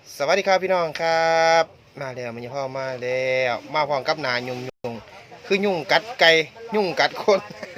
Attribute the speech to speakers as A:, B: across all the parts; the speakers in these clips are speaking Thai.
A: สวัสดีครับพี่น้องครับมาแล้วมันยังพ่อมาแล้วมาพร้อมกับหนายุงคือยุงกัดไก่ยุงกัดคน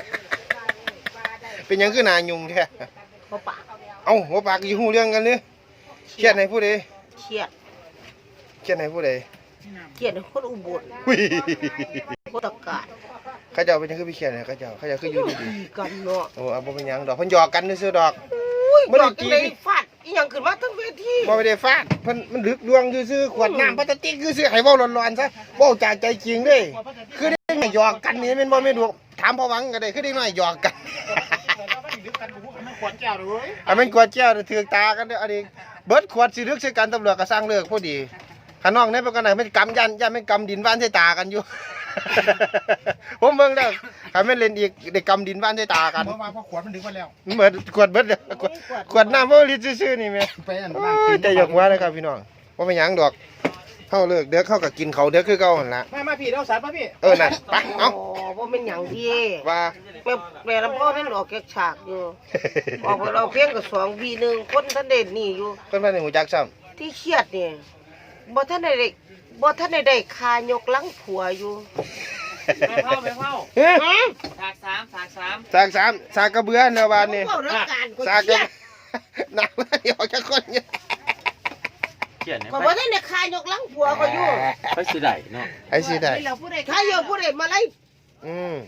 A: เป็นยังคือหนายุงแท้
B: หัวปาก
A: เอ้าหัวปากอยู่หูเรื่องกันเลยเครียดในผู้ใด
B: เครียด
A: เครียดในผู้ใด
B: เครียดคนอุบล
A: หุ้ย
B: คนตะกาด
A: เขาเจ้าเป็นยังคือพี่เครียดเนี่ยเขาเจ้าคืออยู่ดี
B: ดีกันเนาะ
A: ๆโอ้เอาบ่เป็นหยังดอกเพิ่นหยอกกันซื่อๆดอก
B: อุ้ย
A: บ่ได้
B: บอก
A: กิ
B: จั
A: น
B: งได๋ฟาดอีหยังขึ้นมาทั้งเวที
A: บ่ได้ฟาดเพิ่นมันลึกดวงซื่อๆขวดน้ำพลาสติกซื่อๆให้เว้าร้อนๆซะเว้าจากใจจริงเด้คือได้หยอกกันนี่แม่นบ่แม่นดอกถามพ่อหวังก็ได้คือได้น้อยหยอกกัน
C: ขวดแก้วเลย
A: อันมันกวดแก้วถือตากันเด้ออันนี้เบิดขวดสิลึกใส่กันตำรวจก็สร้างเลิกพอดีข้างนอกนี่เป็นกันไหนมันกำยันไม่กำดินว่านใส่ตากันอยู่ ผมเบิ่งแล้วถ้าแม่นเล่นอีกได้กำดินว่านใส่ตากัน
C: เมื่อวานพอขวดมันดึงมาแล้ว
A: เหมือนขวดเบิดเด้อขวดน้ำบ่ลิตรซื่อๆนี่แม่
C: ไปอัน
A: โอ้
C: บ้าน
A: ยใจยกหัวเลยครับพี่น้องบ่เป็นหยังดอกเฮาเลิกเดี๋ยวเขาก็กินเขาวเดี๋ยวคือเก่าหั่นล่ะ
C: มาพี่เราสารป่ะพี่
A: นั่นไปเอ้า
B: บ่แม่นหยังดี
A: ว่า
B: แม่ลำพ่อท่านออกแกกฉากอยู่ออกไปเราเพียงกับ2 วี1คนท่านเด่นนี่อยู่
A: เพิ่นว่าได้หูจักซ้ำ
B: ที่เครียดนี่บ่ทันได้คายกหลังผัวอยู่
D: ไปเข้า
A: เฮ้ย
D: ฉากสาม
A: สากสากกระเบือแล้วบานนี่
B: เว้าเรื่องการก็
A: สาก
B: เค
A: ก
B: รี
A: ระ
B: ยด
A: หนักว่าเดี๋ยวจะคนเนี่ย
D: เขียน
B: ก็บ่ทันได้คายกหลังผัวก็อยู่
D: ไปสิได้เนาะ
A: ไอ้สิได้
B: ถ้าเยอะผู้ใดมาไล่
A: อืม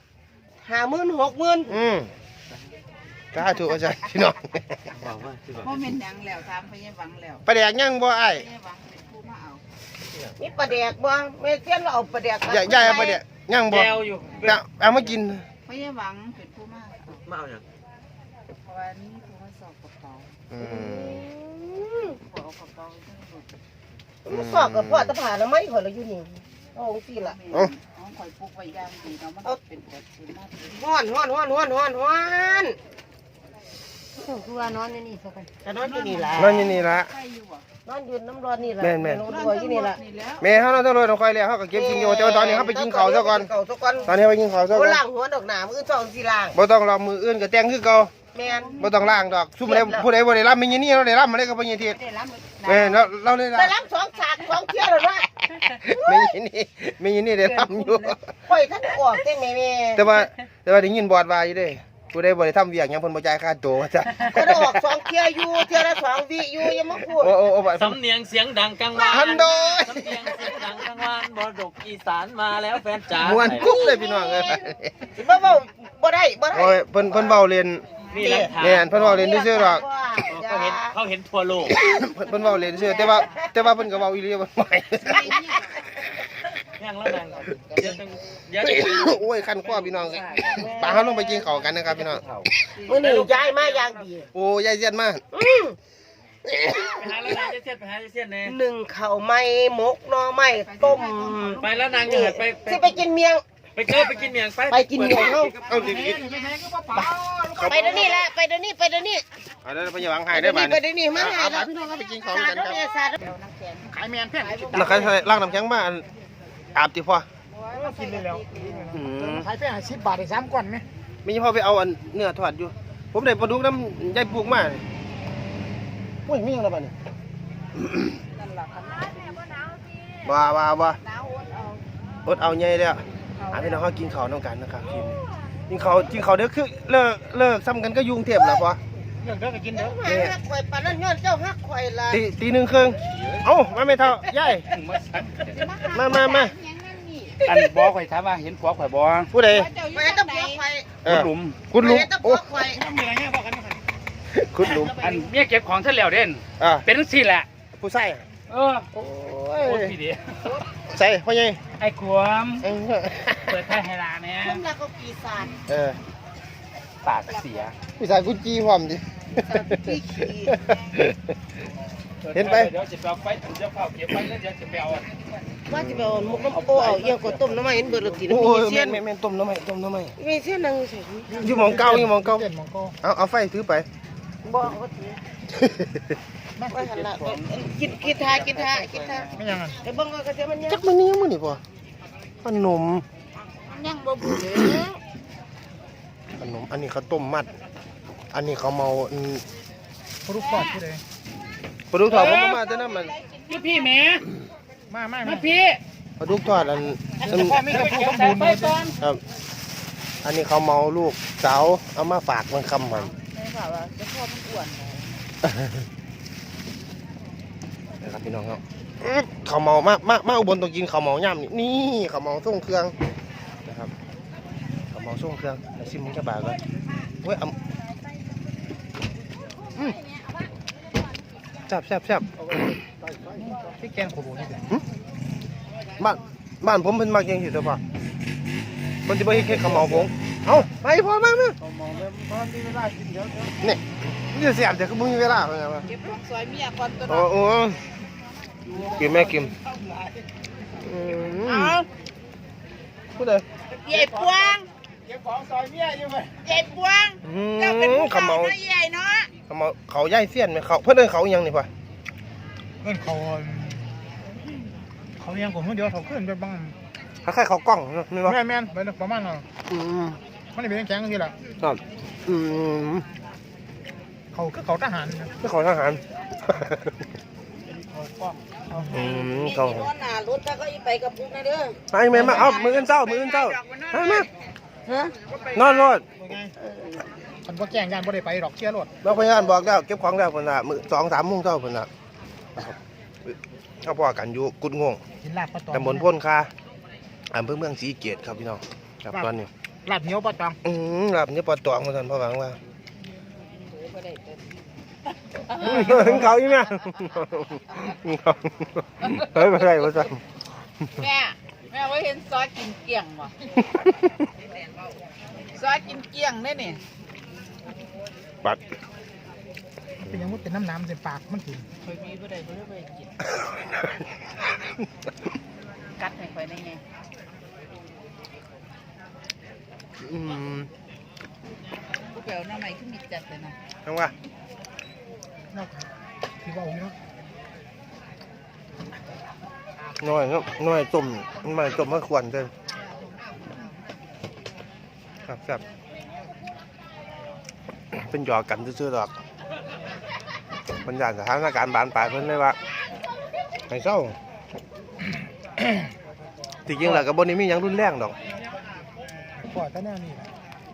B: 50,000 60,000
A: ถ้าถูกอาจารย์พี่น้อง
D: บอกว่าคือแบบ
E: พ่อเป็นหยังแล้วถามพยาหวังแล้ว
A: ประแดกยังบ่ไอ้
E: พยาหวังเป็นผู้มาเอา
B: มีปลาแดกบ่แม่เสียนเราเอาปลาแดก
A: ย่าเอาประแดกยังบ่
D: แก้วอยู่
A: เอามากิน
E: พยาหวังเป็นผู้มาเอา
D: มาเอาอย่าง
E: เพราะว่านี่ผู้มาสอบกระเป๋า
A: อืม
E: ขอเอากระเป๋าทั้งหมด
B: มันสอบกับพ่อตะผาแล้วไม่ข่อยเราอยู่นี่เอาจังซี่ล่ะ
E: เอาข่อยปลูกไว้ย่างดีเนาะมันเป็นแบบเป็นมาเป็น
B: ฮ้อน
E: คือว่านอนในนี่ซะกัน
B: จะนอนอยู่นี่ล่ะ
A: นั่นอยู่นี่ละ
E: ใครอยู่อ่ะ
B: นอนอยู่น้ำร้อนนี่ล่ะ
A: แม่น
B: นอนอยู่นี่ล่ะ
E: นี่แล้ว
A: แม่เฮาเราต้องรวยต้องคอยแล้วเฮาก็เก็บกินอยู่แต่ว่าตอนนี้เฮาไปกินข้าวซะก่อน
B: ข้าวซะก่อน
A: ตอนนี้ไปกินข้าวซะ
B: บ่
A: ก่อน
B: ล้างหัวดอกหนามื้อ2สิล้าง
A: บ่ต้องรอมืออื่นก็แต่งคือเก่า
B: แม่น
A: บ่ต้องล้างดอกซุ่มใดผู้ใดบ่ได้รับมีนี่เราได้รับมาได้ก็บ่ยินที
E: ได้รับ
A: แม่เราได้รับ
B: ได้รับ2ฉาก2เที่ยวแล้วนะ
A: มีนี่ได้รับอยู่
B: ข่อยทันออกแต่แม่
A: แต่ว่าได้ยินบอดว่าอยู่เด้ผู้ใดบ่ได้ทำเวียกหยังเพิ่นบ่จ่ายค่าตัวว่าจ้ะ
B: ก็ได้ออก2เที่ยวอยู่เที่ยวละ2วิอยู่อย่ามาพูด
A: โอ้บ่
D: สำเนียงเสียงดังกังวาน
A: ฮันโดย
D: สำเนียงเสียงดังกังวานบดกอีสานมาแล้วแฟนจ๋า
A: ม่วนกุ๊บเลยพี่น้องเอ้ย
B: สิมาเว้าบ่ได้
A: โอ้ยเพิ่นเว้าเล่น
D: นี่หลักฐาน
A: แม่นเพิ่นเว้าเล่นซื่อๆดอก
D: เขาเห็นทั่วโลก
A: เพิ่นเว้าเล่นซื่อแต่ว่าเพิ่นก็เว้าอีหลีว่าไม่
D: ย่างแล้วนางเดี๋ยวจะ
A: โอ้ยคันคอพี่น้องปาเฮาลงไปกินข้าวกันนะครับพี่น้อง
B: มื้อนี้ย้ายมาอย่างดี
A: โอ้ยายเสียนมาก
D: ไปหาแล้วนางจะเสียดไปหาจะเสียดแน่
B: หนึ่งข้าวไหม้หมกหน่อไม้ต้ม
D: ไปแล้วนางจะไป
B: สิไปกินเมียง
D: ไปเกิดไปกินเมียงไป
B: ไปกินเมียงเฮา
A: เอาดิ
B: ไปเดี๋ยวนี้แหละไปเดี๋ยวนี้
A: เอาแล้วไปอย่าหวังให้ได้บาด
B: ไปเดี๋ยวนี้มาให้แล้ว
A: พี่น้องไปกินข้าวกันครับ
B: สาด
C: ขายแมนแพง
A: แล้วใครล้างน้ำแข็งมาอาบติพ่อ
C: กินเลยแล้ว
A: อืม
C: ขายแพง10 บาทได้3ก้อนไหม
A: มีพ่อไปเอาอันเนื้อทอดอยู่ ผมได้ปลาดุกน้ำยายปลูกมาโอ้ยมีหยังแล้วบัดนี้ว่าอดเอาใหญ่แล้วพี่น้องเฮากินข้าวนำกันนะครับกินข้าวเด้อคือเลิกซ้ำกันก็ยุงเทพแล้วพ่อ
C: เรื่องเด้อก็กินเด้อ
B: ฮักข่อยปานนั้นย้อนเจ้าฮักข่อยล่ะ
A: ตีหนึ่งครึ่งเอ้ามาไม่เท่ายายมา
C: อันบ่ข่อยถามว่าเห็นผัวข่อยบ่
A: ผู้ใด
B: ไปต้องผัวข่อย
C: คุณหลุม
A: คุณลุง
B: ไปต้องผั
A: โอ้
B: วข่อย
C: มีอะไรเงี้ยบอกกัน
A: คุณลุง
C: อันเมียเก็บของเสร็จแล้วเด่น
A: อ่า
C: เป็นจังซี่แหละ
A: ผู้ใส่
C: เออ
A: โอ้
C: โอ้
A: ย
C: พี่เดี
A: ใส่พ่อใหญ่
C: ไอ้ขวมเปิดไพ่ให้ลาเนี่ย
B: คนละก็ปีศาจ
C: ปากเสีย
A: พี่สายกุจีพร้อมดิ เห็นไป
C: เดี๋ยวจะไปเอาไฟถึงจะเผาเก็บไว้แล้วเดี๋ยวจะไปเอา
B: ว่าสิไปเอาหมกน้ำโอเอาเอียงก็ต้มน้ำมันเห็นเบิดแล้วกิน
A: โอ้
B: มี
A: ย
B: เสี้ยน
A: แม่ต้มน้ำไหม
B: มีเสี้ยนนั่งใส่
A: อยู่หมองเก่า
C: เจ็ดมองโก้
A: เอาไฟถือไป
B: บ่เอาถือว่าหั่นล่ะกินทา
C: ไม่ยังไง
B: ไอ้เบิ่งก็เสียมันยัง
A: จักมันนี่มันนี่พ่อขนม
B: ยังบ่บูด
A: อันนี้เขาวต้มมัด อันนี้เขาเมา
C: รูปปอดที่เลย
A: ปลาดุกทอดผมมาแต่นั้นมัน
C: พี่แม่มาพี่
A: ปลาดุกทอดอัน
C: ไม่กระพุ้งสมบูรณ์
A: ครับอันนี้เขาเมาลูกสาวเอามาฝากมันคำมัน
E: ไม่ค่ะว่าจะพ่อมันอ้วน
A: นะครับพี่น้องครับเขาเมามาอุบลต้องกินเขาเมาย่ำนี่เขาเมาส่งเครื่องนะครับเขาเมาส่งเครื่องแล้วซิมมึงจะบาก่อนเว้ยแซ่บพี่แกงขบวนนี่บ้านผมเป็นมักยังสิตัวป่ะมันจะไม่ให้แค่เขาเมาผงเอาไปพอมานี่นี่จะเสียบแต่ก็มึงมีเวลาเป็นไงวะ
E: เก็บของซอยเมียก่อนตัว
A: โอ้กินแม่กิน
E: เอา
A: พูดเลย
E: ใหญ่ปวง
C: เก็บของซอยเมียอยู่ไหม
E: ใหญ่ปวงเจ้าเป็นผู้
A: เขา
E: เฒ่า
A: เมา
E: เนาะใหญ่เนาะ
A: เขาย่ายเสี้ยนไหมเขาเพื่อนเดินเขายังนี่ป่ะ
F: เงินเขายังผมเดียวเขาขึ้นไปบ้าง
A: คล้ายๆเขากล้องนี่เนาะ
F: แม่นไปประมาณนั้นมันนี่เป็นแข็งทีละ
A: ครับ
F: เขาทหาร
A: ไม่เขาทหารเขา
B: มีคนหน้ารถถ้าก็อีไปกับพุกนะเด้อ
A: ไอ้แม่มาเอามือเจ้ามา
B: ฮะ
A: นอนรถ
F: คนบ่แจ้งยานบ่ได้ไปดอกเชียร์รถ
A: เราพยานบอกแล้วเก็บของแล้วคนละมือ2-3 โมงเจ้าคนละเขาพอกันอยู่กุดงง
F: กินลาบปลาตอง
A: ตำบลพ่นคาอำเภอเมืองศรีเกตครับพี่น้องครับตอนนี้
F: ลาบเหนียวปลาตอง
A: ลาบนี่ปอตองมาท่านพ่อหวังว่า
E: บ่ได้เต็ม
A: เขาอีกไหมเฮ้ยไม่ได้มาสั่ง
E: แม่ว่าเห็นซอยกินเกลี้ยงบ่ซอยกินเกลี้ยงได้นี่
A: ปัด
F: เป็นยังมุดเป็นน้ำใส่ปากมันกิน
E: เคยมีบ่ได้บ่ได้ไปกินกัดให้ข่อยได้ไง ผู้แปลหน้าใหม่ขึ้นมีจัดเลยนะ
A: ทำว่า
F: นอกที่ว่าอยู่เนาะ
A: น้อยต้มมาต้มมะขวัญเกินครับเป็นหยอกกันซื่อๆหรอกบรรยากาศสถานการณ์บานปลายเพิ่นเลยว่าให้เศร้าที่จริงแล้วกับบนนี้มีอย่างรุนแรงดอก
F: ปล่อยแต่แน่นี่แหละ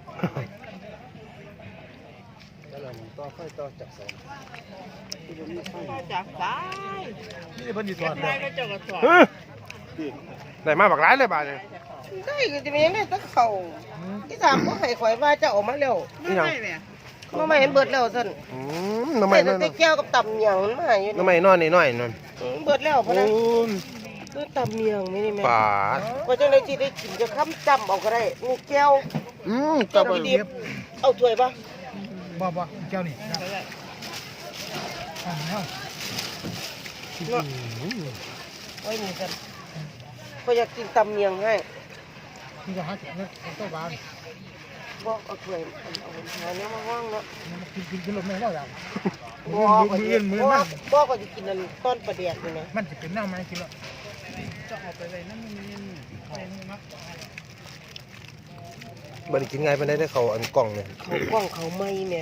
E: จากซ้าย
F: นี่เพิ่นสิสอน
E: ซ้ายก็เจ้าก็สอน
A: ได้มาบักร้ายเลยบาดเนี่ย
B: ได้ก็จะมีอย่างนี้ตั้งเขาที่ถามก็ให้ข่อยว่าจะออกมาแล้ว
A: นี่ยัง
B: มาไม่เห็นเบิดแล้วสั่น
A: น้ำไม่
B: แต่
A: นอน
B: แต่แก้วกับตำเมียงมันมาอยู่
A: น้ำไม่นอนนี่น้อยนอน
B: เบิดแล้วพะนะคือตำเมียงไม่นี่แม่
A: ป่า
B: ว่าจังได๋สิได้กินจะค้ำจำเอาก็ได้นี่แก้ว
A: ตั
B: แก้
A: บ
B: วดีเอาถ้วยป่ะ
F: บ่เจ้านี่เอา
B: ไว้นี่สั่นก็อยากกินตำเมียงให้
F: นี่ก็หาเก็บเงินเจ้าบ้าน
B: บอกเอาถ้วยเอาหาเนี้ยมาว่างเนาะ
F: กินรถไม่ได้แล้ว
B: บอกก็
F: มือ
B: บอก
F: มัน
B: บอกก็จะกินนั่นต้นปลาแดกนี่นะ
F: มันจะเป็นแนวไม้กินแล้ว
E: จะเอาไปไว้นั่นนี่
A: บันกินไงไปได้เขาอันกล่องเนี่ย
B: เขากว้างเขาไม่แม่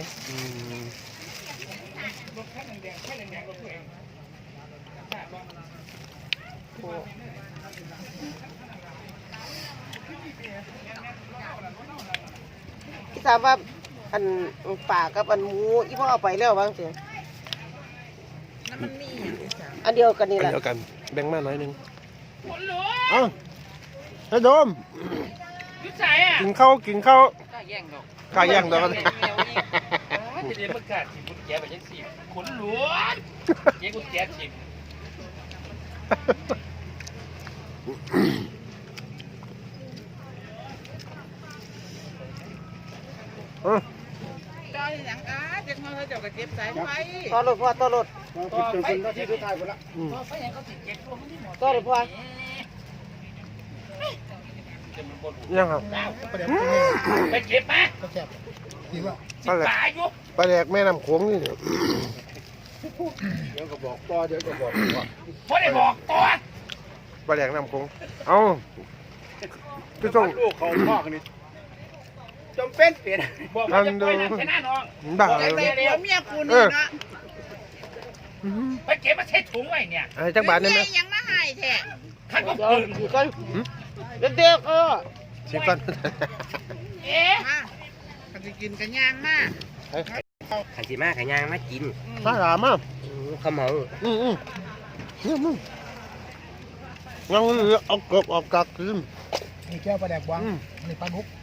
B: ที่ถามว่าอันป่ากับอันหมูอีพ่อเอาไปแล้วบ้างเสีย
E: นั่นมันมีอย่างนี้จ้ะ
B: อันเดียวกันนี่แหละ
A: เดียวกันแบ่งมาหน่อยนึงเอ้าไอ้โดม
C: ยุดใส่อ่ะ
A: กินข้าว
E: กล้าแย่งดอก
A: ข้าแย่งดอก
C: จะเรียนประกาศสิบุญแก่แบบยังสิขนหลวงเจ๊กุญแจสิ
E: เจ้าอย่างอ้าเด็กน้อยเขาเจ้าก็เจ็บสายไฟ
B: ต่อรถพ่อต่อรถ
C: ต่อไปที่สุดท้ายหมดละต่อไปยังก็ติดเจ็บตัวมันที่หมด
B: ต่อรถพ่อ
A: ยังครับ
C: ไปเก็บมา
F: ก็แซ่บดีว่า
A: ปลาแหลก
C: ตายอยู่
A: ปลาแหลกแม่น้ำโขงนี่เดี๋ยว
C: พอได้บอกตัว
A: ปลาแหลกน้ำโขงเอาพี่ส่ง
C: ลูกเขาพ่อกันนี่จำเป็นเปลี่ยนบอกว่าจะปล่อยน้ำชนะน้อง
A: บ้า
E: แต่
A: เลย
E: ผัวเมียกูนี่นะ
C: ไปเก็บมาใช้ถุงไว้เนี่ย
A: ไอ้จักบาทได้ไหม
E: ยังมาให้แท้
C: ขันก็
B: เดี๋ยว
C: ปืน
B: อยู่กันเด็กๆ
A: สิก่อน
C: เอ๊ะ
E: มาก็สิกินกันย่างมา
G: ขันสีมาขันยางมากิน
A: มาหามาก
G: ข้าวเหมา
A: นี่มึงงั้นเอากบออกกักลืม
F: นี่แก้วปลาแดกวางนี่ปลาดุก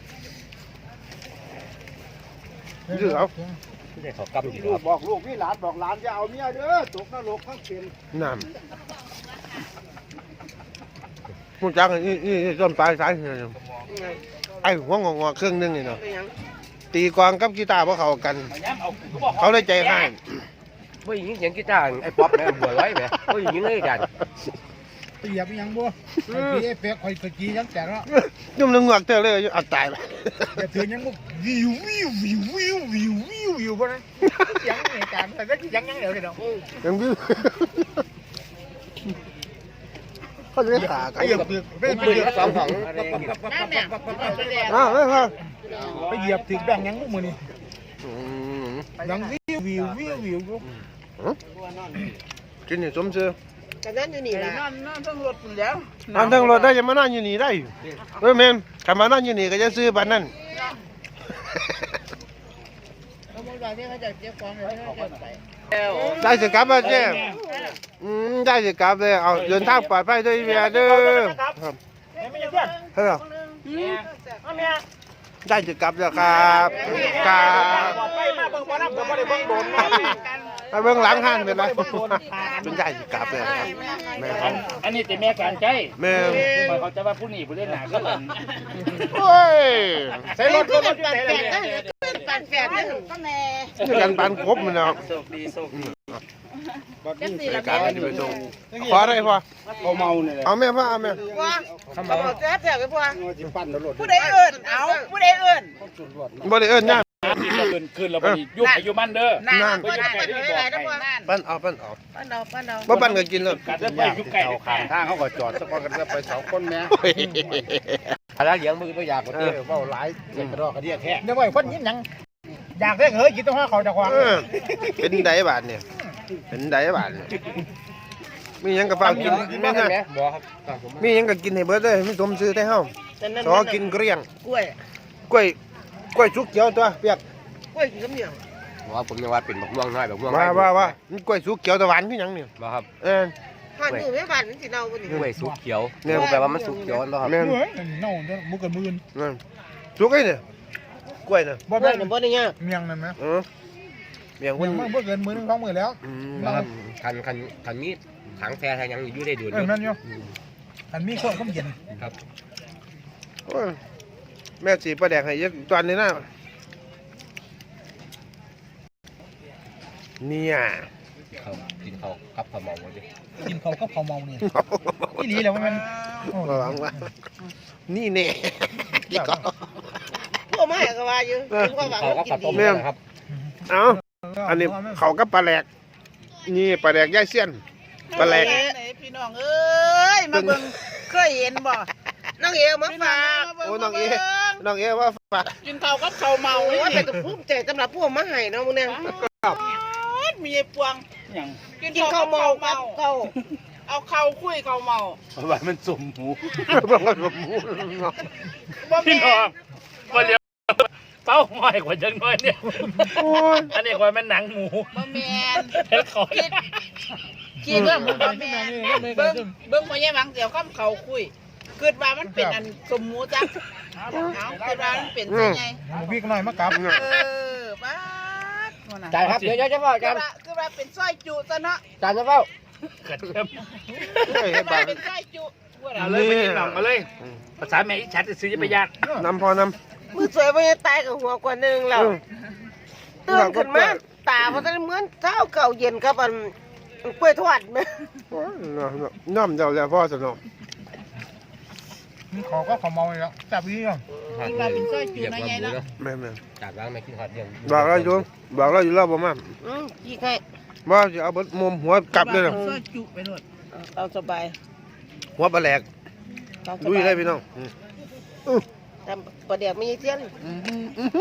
A: ยืดเอา
G: ที่ได้เขากำอยู่
F: ลูก
G: ครับ
F: บอกลูกพี่หลานบอกหลานจะเอาเมียเด้อตกนรกทั้งเป็น
A: น้ำมึงจังนี่ต้นปลายสายไอ้หัวงอเครื่องนึงนี่เนาะ
B: เป็นหยัง
A: ตีกองกับกีตาร์พวกเขากัน
C: ย้ำเอาก็บอก
A: เขาได้ใจให้
G: ว่าอย่างนี้เสียงกีตาร์ไอ้ป๊อปนะบัวไว้ไหมว่าอย่างนี้เลยกัน
F: ไปเหยียบยังบ่ไอ้พี่ไอ้เป๊กคอยตะกี้ยังแตกแล้ว
A: ยุ่งนึงงวกเตอเลยเอาตายไป
F: อย่าถือยังบ่วิววิววิววิววิววิววิวบ่นะยังนี่การแต่ก็ยังเดี๋ยวเดี๋ยว
A: ยังวิวเขาจะขากัน
F: ไปเหยียบตึกไป
G: ปืนก็สองของ
E: นั่นเนี่ยเอาไปแดก
A: ไม่พอ
F: ไปเหยียบตึกแบงยังมือนี่ยังวิววิววิววิว
A: กินนี่สมชื่อ
B: กันนั้นอยู่นี่ล่ะ
E: นั่นต้องรถพุ่นแล้ว
A: อันทั้งรถได้จะมานั่งอยู่นี่ได้เฮ้ยแม่นถ้ามานั่งอยู่นี่ก็จะซื้อบัตรนั่น
E: เขาบอกว่าที่เขาจะเก็บของเลยเขาจะไป
A: ได้สิกลับมาเจ้ได้สิกลับเลยเอาเดินทางปลอดภัยด้วยเวียเด้อครับเฮ้ยได้สิกลับแล้วครับครับ
F: ไปมาเบิ่งบ่นำก็บ่ได้เบิ่งโดน
A: ไปเบื้องหลังห้างเป็นไรเป็นได้สิกลับเลยครับแม่
C: อันนี้แต่แม่การใจ
A: แม่
C: เขาจะว่าผู้นี้ผู้เล่นหนาก็หลัง
A: โอ้ย
F: ใส่รถ
B: เป็นปันแฝดนั่นเป็นปันแฝดนั่น
E: ก็แน่
A: นี่กันปานครบมันเนาะ
G: โชคดีโชคดี
E: จังสี่
A: ราย
E: ละ
A: การนี้ไปส่งขออะไรพ่อ
F: เขาเมาเนี่ย
A: เอาแม่พ่อเอาแม่
B: ว่าเขาบอกแจ๊บแจ๊บไปพ่อ
F: สิปั่นรถ
E: ผู้ใดเอิ้นเอาผู้ใดเอิ้น
A: บ่ได้เอิ้นย่า
C: คืนเราไปยุบอายุมันเด้อ
B: นั่นปั้นหลายๆนะพ่อ
A: ปั้นเอาปั้นเอา
B: ปั้นเอาปั้นเอา
A: บ่ปั้นก็กินเลย
C: การจะไปยุบไก่
F: เอาข้างทางเขาก็จอดสักพักกันไปสองคนแม่
G: อะไรเลี้ยงมือตัวอยากกว่านี้ว่าหลายเจ็บกระดอกกระเดียแท้
F: เดี๋ยวไว้คนยิ้มยังอยากได้เฮ้ยกินต้องห้าเขาจะควาง
A: เป็นไดบาทเนี่ยเป็นไดบาทเนี่ยมีหยังกับฟ้ากินแม่น
G: ไหม
A: นะ
G: บอกครับ
A: มีหยังก็กินให้เบิดเลยไม่สมซื้อได้เฮาสอกินเกลี้ยง
B: กล้วย
A: กล้วยสุกเขียวตัวเปียก
B: กล้วยกินกับเหนียว
G: บอกว่าผมยังว่าเป็นบักม่วงน้อยบักม่วง
A: ว่ามันกล้วยสุกเขียวตะหวานคือหยังเนี่ย
G: บอกครับ
B: ผ่านมือไม่ผ่านสิเนาบ่นี่
G: กล้วยสุกเขียวแปลว่ามันสุกเขียวนะครับ
A: แม่น
F: เฮ้ยเน่าจะมุกกับมือ
A: นั่นสุกไอ้เนี่ยกล้วยน่ะ
F: บ่
B: กล้
F: ได้
B: วยน่ะบ่ได้ยาก
F: เมียงนั่นไหม
A: เมียง
F: เมี
A: คุ
F: ย
A: ณ
F: งมันบ่เกินมือนึง2 มือแล้ว
G: คันมีถังแฟร์ยังอยู่ได้ดูด
F: นั่นอยู่อันมีข้อคำเย็น
G: ครับ
A: แม่สีปลาแดกให้เยอะตอนนี้นะเนี่ย
G: เขากินเขากับข้าวเหมาดิ
F: กินเขาก็เขาเมาเนี่ยอีหลีแล้วมัน
A: ระวังว่านี่เน่อีกก็
B: พวกมาให้ก็ว่าอยู่พวกว่า
G: เขากับ
B: กิ
G: ข้าวน ต้ม
B: ดี
G: นะครับ
A: เอาอันนี้เขากับปลาแหลกนี่ปลาแหลกย่ายเสี้ยนปลาแหลก
E: พี่น้องเอ้ยมาเบิ่งเคยเห็นบ่
B: น้องเอวมาฝาก
A: โอ้น้องเอว่าฝาก
E: กินข้าวกับข้าวเมา
B: โอ้ยเป็นภูมิใจสำหรับพวกมาให้เนาะมึงเนี่ย
E: มีไอ้ปวง
C: อย่าง
E: กิน
B: กินข้าวเมากับข้าว
E: เอาข้าวคุยข้าวเมา
C: ว่ามันสมหมู
E: บ่
C: พี่
E: แม่
C: น้องมาเลี้ยวเป้าห้อยกว่าจังน้อยเนี่ยอันนี้กว่ามันหนังหมู
E: บ่แม่น
C: เฮ็ดเขา
E: คิดว่าบ่แม่นเบิ่งบ่แย่หวังเดี๋ยวข้ามเขาคุยคิดว่ามันเป็นอันสมหมูจักเอาคิดว่ามันเป็นจังไง
F: วิ่งหน่อยมากลับ
E: บ้าด
G: จานครับเดี๋ยวจะเฝ้าจาน
E: คือว่าเป็นสร้อยจุซะเนาะ
G: จานจะเฝ้า
C: เกิดเริ่ม
E: คือว่าเป็นสร้อยจุ
C: เอาเลยไปกินหนองมาเลยภาษาแม่อีชัดจะซื้อจะไปยาก
A: นำพอน
B: มือสวยบ่ได้ตายกับหัวกว่านึงแล้วตื่นขึ้นมาตาบ่ทันเหมือนเช้าเก่าเย็นกับอันกล้วยทอดแม่
A: ำน้ำเจ้าแล้วพ่อสนอง
F: เขาก็เขาเมาแล้วจับยี่อ่ะ
E: คือว่าเป็นสร้อยจุนะไงเนาะ
A: แม่แม่
G: จานล้างไม่กินหอดเดียว
A: บอกเราอยู่แล้วบ่มา
B: กี่ใคร
A: บ่จะเอามุมหัวกลับเลย
E: สร้อยจุไปโลด
B: เอาสบาย
A: หัวปลาแหลก
B: เอาส
A: ลุย
B: บาย
A: เลยพี่น้อง
B: ทำประเดี๋ยวไม่ใช่เทียน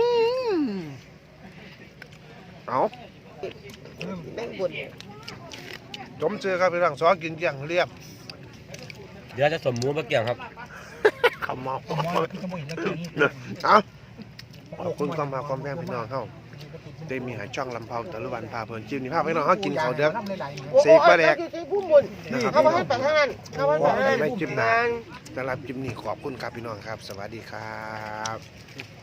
A: เอา
B: แม่งบน
A: จมเชื่อครับพี่น้องซอกินเกลี้ยงเรียบ
G: เดี๋ยวจะสมหมูมาเกี่ยงครับ
A: ขมเมา
F: ผมมองที่ขโมยแล้วคือนี่
A: เอาขอบคุณความมาความแพงพี่น้องเฮาได้มีหาช่องลำเผาตะลุวันพาเพลินจิ้มนี่ภาพพี่น้องเฮากินข้าวเด้อ
B: โอ้
A: สีปลาแดก
B: อยู่ที่พุ่มบน
A: นะครับ
B: เขามาให้ไปทางนั้นเขามาให้ไปทางนั้น
A: ไว้จิ้มหน้าสำหรับจิ้มนี่ขอบคุณครับพี่น้องครับ สวัสดีครับ